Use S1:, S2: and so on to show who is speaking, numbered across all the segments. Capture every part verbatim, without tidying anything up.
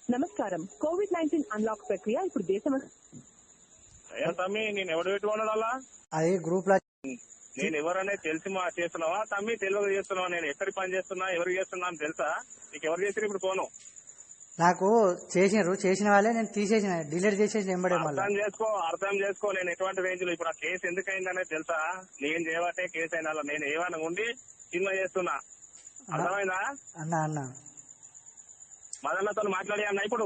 S1: నమస్కారం. Covid nineteen unlock ప్రక్రియ ఇప్పుడు దేశం
S2: తమ్మి నేను ఎవరు పెట్టుకున్నాడు అలా
S3: అది గ్రూప్ లో
S2: నేను ఎవరనేది తెలిసి మా చేస్తున్నావా తమ్మి తెలియక చేస్తున్నావా? నేను ఎక్కడికి పని చేస్తున్నా ఎవరికి చేస్తున్నా అని తెలుసా నీకు? ఎవరు చేసి ఇప్పుడు ఫోను
S3: నాకు చేసినారు, చేసిన వాళ్ళే నేను తీసేసిన, డిలీట్ చేసేసిన ఎంబడే.
S2: అర్థం చేసుకో అర్థం చేసుకో నేను ఎటువంటి రేంజ్ లో ఇప్పుడు ఆ కేసు ఎందుకు అయిందనేది తెలుసా? నేను చేయబట్టే కేసు అయిన నేను ఏమైనా ఉండి సినిమా చేస్తున్నా, అర్థమైందా?
S3: అన్న అన్న
S2: మదన్నతో మాట్లాడి అన్న ఇప్పుడు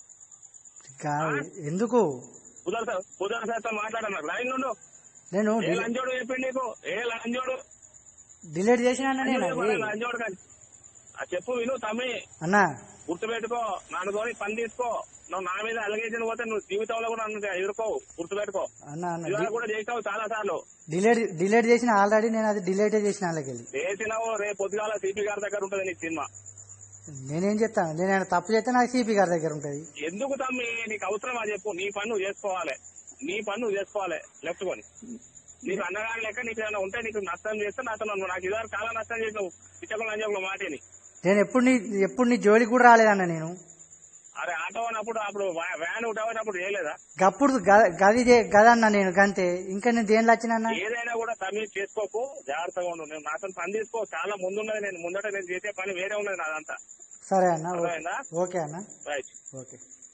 S3: ఎందుకు
S2: కుదర్ కుదర్ సార్తో మాట్లాడన్నా లైన్ నుండు.
S3: నేను
S2: ఏ లంజోడు చెప్పింది నీకు? ఏ లంజోడు
S3: డిలీట్ చేసిన
S2: లంజోడు కానీ చెప్పు విను తమ్మి
S3: అన్న.
S2: గుర్తుపెట్టుకో, నాన్నతోని పని తీసుకో. నువ్వు నా మీద అలిగేషన్ పోతే నువ్వు జీవితంలో కూడా నన్ను ఎదుర్కోవు, గుర్తుపెట్టుకో. ఇవాళ కూడా చేసావు చాలా సార్లు.
S3: డిలీట్ డిలీట్ చేసిన ఆల్రెడీ, నేను అది డిలీట్ చేసిన వాళ్ళకి
S2: చేసినావు. రేపు పొద్దుగాల సిపి గారి దగ్గర ఉంటది నీకు సినిమా.
S3: నేనేం చెప్తాను, నేను తప్పు చేస్తే నాకు సిపి గారి దగ్గర ఉంటది.
S2: ఎందుకు తమ్మి నీకు అవసరమా చెప్పు? నీ పని నువ్వు చేసుకోవాలి, నీ పని నువ్వు చేసుకోవాలి. లెఫ్ట్ కొని నీకు అన్నగాని లెక్క నీకు ఏమైనా ఉంటే నీకు నష్టం చేస్తే నాతో నాకు ఇదివరకు చాలా నష్టం చేసినావు. ఇచ్చకుండా లంజకుల మాటని
S3: నేను ఎప్పుడు నీ ఎప్పుడు నీ జోలికి కూడా రాలేదన్న నేను.
S2: అరే ఆటో అన్నప్పుడు అప్పుడు వ్యాన్ ఉట్టవనప్పుడు చేయలేదా?
S3: అప్పుడు గది గదన్నా నేను గంతే. ఇంకా నేను దేనిలో వచ్చిన
S2: ఏదైనా కూడా తమ్మి చేసుకోకు, జాగ్రత్తగా ఉండు. నేను నాతో పని తీసుకో, చాలా ముందున్నది. నేను ముందట నేను చేసే పని వేరే ఉన్నది నాదంతా.
S3: సరే అన్న, ఓకే అన్న,
S2: రైట్
S3: ఓకే.